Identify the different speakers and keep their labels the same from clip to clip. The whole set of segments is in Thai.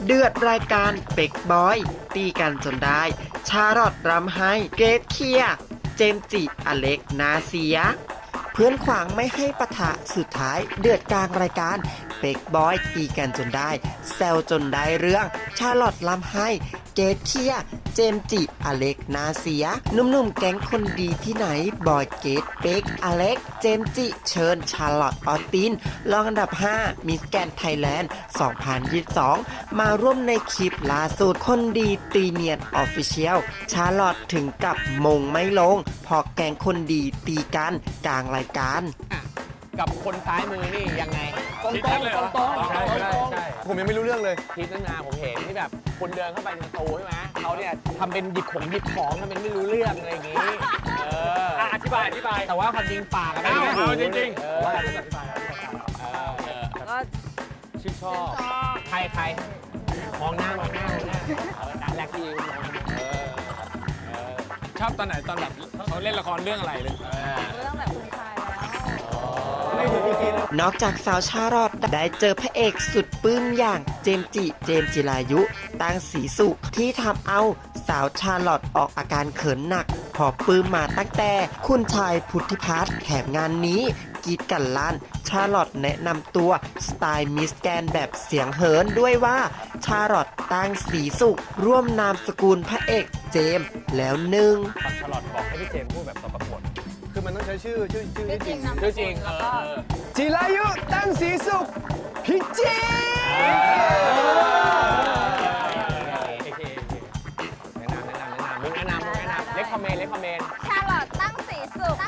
Speaker 1: เดือดรายการเป็กบอยตีกันจนได้ชาลอตรำไห้เกรทเคลียร์เจมส์จิอเล็กนาเซียเพื่อนขวางไม่ให้ปะทะสุดท้ายเดือดกลางรายการเป็กบอยตีกันจนได้แซวจนได้เรื่องชาลอตรำไห้เกรทเคลียร์เจมส์จิอเล็กนาเซียหนุ่มๆแก๊งคนดีที่ไหนบอยเกรทเป็กอเล็กเจมส์จิเชิญชาลอตออสตินรองอันดับ5มิสแกรนด์ไทยแลนด์2022มาร่วมในคลิปล่าสุดคนดีตีเนียนออฟฟิเชียลชาลอตถึงกับมงไม่ลงพอแก๊งคนดีตีกันกลางรายการ
Speaker 2: กับคนซ้ายมือนี่ยังไงตรงๆใช่
Speaker 3: ผมยังไม่รู้เรื่องเลย
Speaker 2: คลิปนั้นนาผมเห็นที่แบบคนเดินเข้าไปในประตูใช่ไหมเขาเนี่ยทำเป็นหยิบของทำเป็นไม่รู้เรื่องอะไรอย่างงี้อธิบายแต่ว่าความจริงปากอะไรจริงว่าอธิบายก็ชื่นชอบใครมองหน้าแรกที่
Speaker 4: ชอบตอนไหนตอนแบบเขาเล่นละครเรื่องอะไรเลย
Speaker 5: เรื่องแบบคุณชาย
Speaker 1: นอกจากสาวชาลอตได้เจอพระเอกสุดปลื้มอย่างเจมส์จิรายุตั้งศรีสุขที่ทำเอาสาวชาลอตออกอาการเขินหนักพอปลื้มมาตั้งแต่คุณชายพุทธิพัฒน์แถมงานนี้กีดกันลั่นชาลอตแนะนำตัวสไตล์มิสแกนแบบเสียงเหินด้วยว่าชาลอตตั้งศรีสุขร่วมนามสกุลพระเอกเจมส์แล้วหนึ่ง
Speaker 2: ชาลอตบอกให้พี่เจมส์พูดแบบตอนประกวด
Speaker 3: คือมันต้องใช้ชื่อ
Speaker 2: จริง
Speaker 5: แล้วก็
Speaker 3: จิรายุตั้งศรีสุขพิจิตร
Speaker 2: แนะนำเล็กคอมเมนต์
Speaker 5: ชาลอตตั้งสีสุข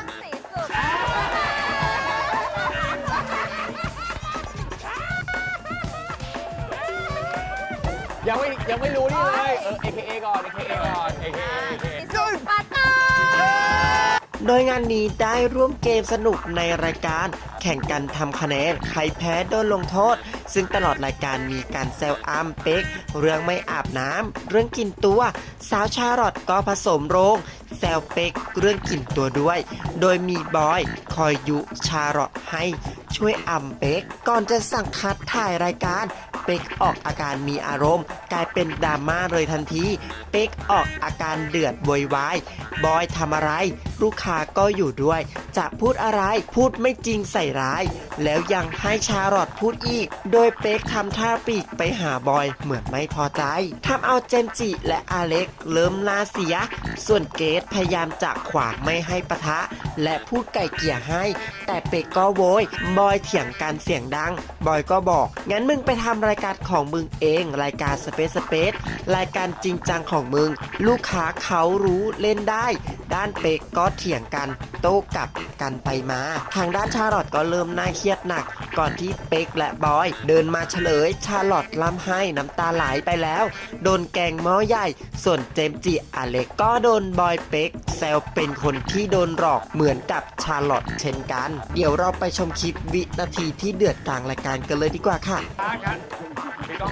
Speaker 2: ยังไม่รู้นี่เลยAKA ก่อน
Speaker 5: สุดปาตา
Speaker 1: โดยงานนี้ได้ร่วมเกมสนุกในรายการแข่งกันทำคะแนนใครแพ้โดนลงโทษซึ่งตลอดรายการมีการแซวอ้ำเป็กเรื่องไม่อาบน้ำเรื่องกินตัวสาวชาลอตก็ผสมโรงแซวเป็กเรื่องกินตัวด้วยโดยมีบอยคอยยุชาลอตให้ช่วยอ้ำเป็กก่อนจะสั่งคัดถ่ายรายการเป็กออกอาการมีอารมณ์กลายเป็นดราม่าเลยทันทีเป็กออกอาการเดือดโวยวายบอยทำอะไรลูกค้าก็อยู่ด้วยจะพูดอะไรพูดไม่จริงใส่ร้ายแล้วยังให้ชาลอตพูดอีกโดยเป็กทำท่าปีกไปหาบอยเหมือนไม่พอใจทำเอาเจมส์จิและอเล็กเริ่มน่าเสียส่วนเกรทพยายามจะขวางไม่ให้ปะทะและพูดไก่เกลี่ยให้แต่เป็กก็โวยบอยเถียงกันเสียงดังบอยก็บอกงั้นมึงไปทำรายการของมึงเองรายการสเปซรายการจริงจังของมึงลูกค้าเขารู้เล่นได้ด้านเป็กก็เถียงกันโต้กลับกันไปมาทางด้านชาลอตก็เริ่มน่าเครียดหนักก่อนที่เป็กและบอยเดินมาเฉลยชาลอตร่ำไห้น้ำตาไหลไปแล้วโดนแกงหม้อใหญ่ส่วนเจมส์จิอเล็กก็โดนบอยเป็กแซวเป็นคนที่โดนหลอกเหมือนกับชาลอตเช่นกันเดี๋ยวเราไปชมคลิปวินาทีที่เดือดกลางรายการกันเลยดีกว่าค่ะ
Speaker 4: มีกล้อง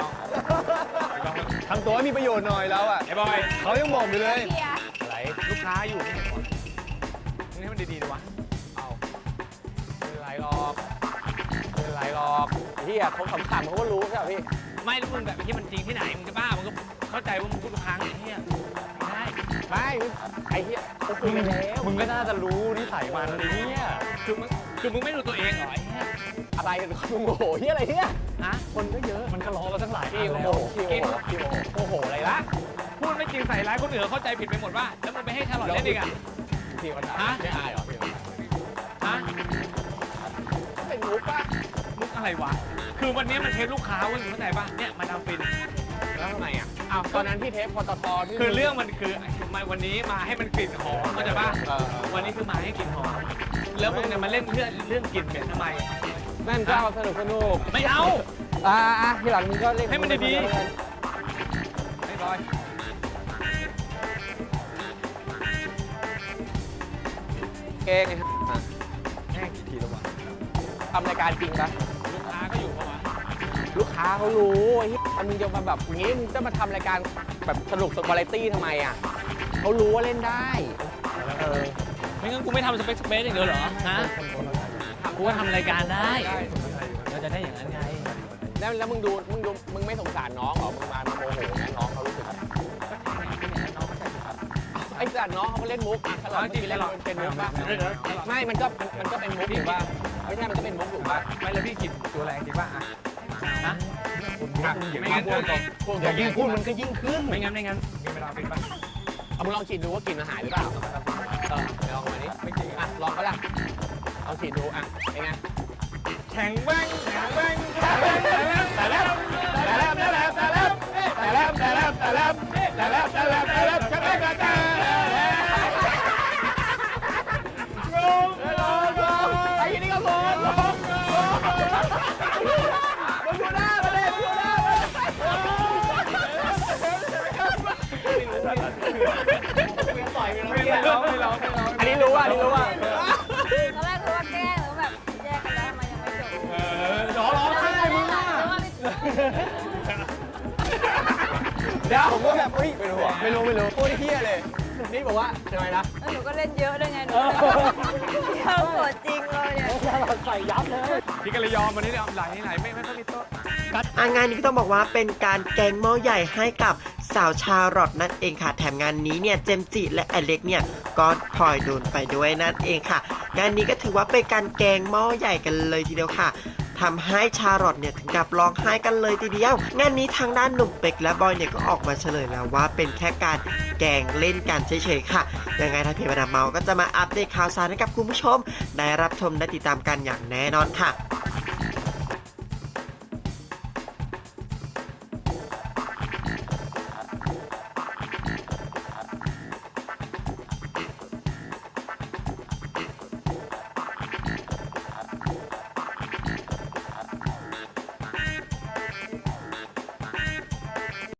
Speaker 3: ทำตัวให้มีประโยชน์หน่อยแล้วอ่ะ
Speaker 4: ไอ้บอย
Speaker 3: เขายังบอกอยู่เลย
Speaker 4: อะไรลูกค้าอยู่ไม่เห็นวะมึงให้มันดีๆเลยวะ
Speaker 2: เอาไม่เป็นไรหรอกพี่อะเขาขำๆเขาก็รู้ใช่ป่ะพี่
Speaker 4: ไม่แล้วมึงแบบที่มันจริงที่ไหนมึงจะบ้ามึงก็เข้าใจว่ามึงพูดทุกครั้งไอ้เหี้ย
Speaker 2: ไม่ไอ้เหี้ยเขาคุยกันแล้ว
Speaker 4: มึงก็น่าจะรู้นิสัยมันไอ้เหี้ยคือมึงไม่รู้ตัวเองเหรอไอ้เหี้ย
Speaker 2: อะไรมึงโมโหเหี้ยอะไรเนี่ย
Speaker 4: คนก็เยอะมันก็ล้อมาตั้งหลาย
Speaker 2: พี่โมโหอะไรละ
Speaker 4: พูดไม่จริงใส่ร้ายคนอื่นเข้าใจผิดไปหมดว่าแล้วมึงไปให้ชาลอตเล่นอีกอ่ะ
Speaker 2: พี่วันไหนไม่อายเหรอพี่เป็นมุกป่ะ
Speaker 4: มุกอะไรวะคือวันนี้มันเทปลูกค้าเว้ยเข้าใจป่ะเนี่ยมาดามฟิน
Speaker 2: แล้วทำไมอ่ะตอนนั้นพี่เทปปตทที่
Speaker 4: คือเรื่องมันคือวันนี้มาให้มันกลิ่นหอมเข้าใจป่ะวันนี้คือมาให้กลิ่นหอมแล้วมึงเนี่ยมาเล่นเรื่องกลิ่นเหม็นทำไม
Speaker 2: นั่นก็เอาสนุก
Speaker 4: ไม่เอา
Speaker 2: ทีหลังมึงก็เล่น
Speaker 4: ให้มันดีๆไอ้บอย
Speaker 2: เก่งไง
Speaker 4: แห้งกี่ทีแล้ววะ
Speaker 2: ทำรายการจริงปะ
Speaker 4: ลูกค้าก็อยู่ปะวะ
Speaker 2: ลูกค้าเขารู้ไอ้ที่มึงจะมาแบบงี้มึงจะมาทำรายการแบบสนุกวาไรตี้ทำไมอ่ะเขารู้ว่าเล่นได้
Speaker 4: ไม่งั้นกูไม่ทำสเปซอย่างเดียวเหรอฮะกูก็ทำรายการได้เราจะได้อย่างนั้นไง
Speaker 2: แล้วมึงไม่สงสารน้องเหรอมึงมาโมโหนะน้องเขารู้สึกอะไรไอ้สัตว์น้องเขาก็เล่นมุกอ่ะถ้าเราเมื่อกี้เล่นเป็นมุกป่ะไม่มันก็เป็นมุกถูกป่ะไม่ใช่มันก็เป็นมุกถูกป่ะ
Speaker 4: ไม่แล้วพี่กินตัวแรงจริงป่ะฮะ
Speaker 2: ไม่งั้นอย่ายิ่งพูดมันก็ยิ่งขึ้น
Speaker 4: ไม่งั้นมีเวลาเป็นป่ะ
Speaker 2: เอามึงลองฉีดดูว่ากลิ่นมันหายหรือเปล่าไปลองมาดิไม่จริงอ่ะลองก็ได้เอาฉีดดูอ่ะเป็นไง
Speaker 4: แข็งแว่งแต่แล้ว
Speaker 2: ไอ้นี่ก็โกนลงมึงดูหน้ามาเลยมึงดูหน้ามาอันนี้รู้อ่ะ
Speaker 5: ตอนแรกรู้ว่าแกล้งหรือแบบแยกกันแล้วทำไมยังไม่จบ
Speaker 4: ร้องไห้มึง
Speaker 2: เดี๋ยวผมก็แบบไม่รู้พูดเฮี้ยเลยนี่บอกว่าทำไมนะ
Speaker 5: แล้วหนูก็เล่นเยอะด้วยไงหนูเข้าตัวจริงเลยเนี่ย
Speaker 2: ใส่ยับเลย
Speaker 4: พี่ก็เลยยอมวันนี้ไหลไม่ค่อยมีโต๊ะ
Speaker 1: งานนี้ก็ต้องบอกว่าเป็นการแกงหม้อใหญ่ให้กับสาวชาร์ลอตนั่นเองค่ะแถมงานนี้เนี่ยเจมส์จิและอเล็กเนี่ยก็พลอยโดนไปด้วยนั่นเองค่ะงานนี้ก็ถือว่าเป็นการแกงหม้อใหญ่กันเลยทีเดียวค่ะทำให้ชาร์ลอตเนี่ยถึงกับร้องไห้กันเลยทีเดียวงานนี้ทางด้านหนุ่มเป็กและบอยเนี่ยก็ออกมาเฉลยแล้วว่าเป็นแค่การแกงเล่นกันเฉยๆค่ะยังไงทางเพจมาดามเมาก็จะมาอัปเดตข่าวสารให้กับคุณผู้ชมได้รับชมได้ติดตามกันอย่างแน่นอนค่ะ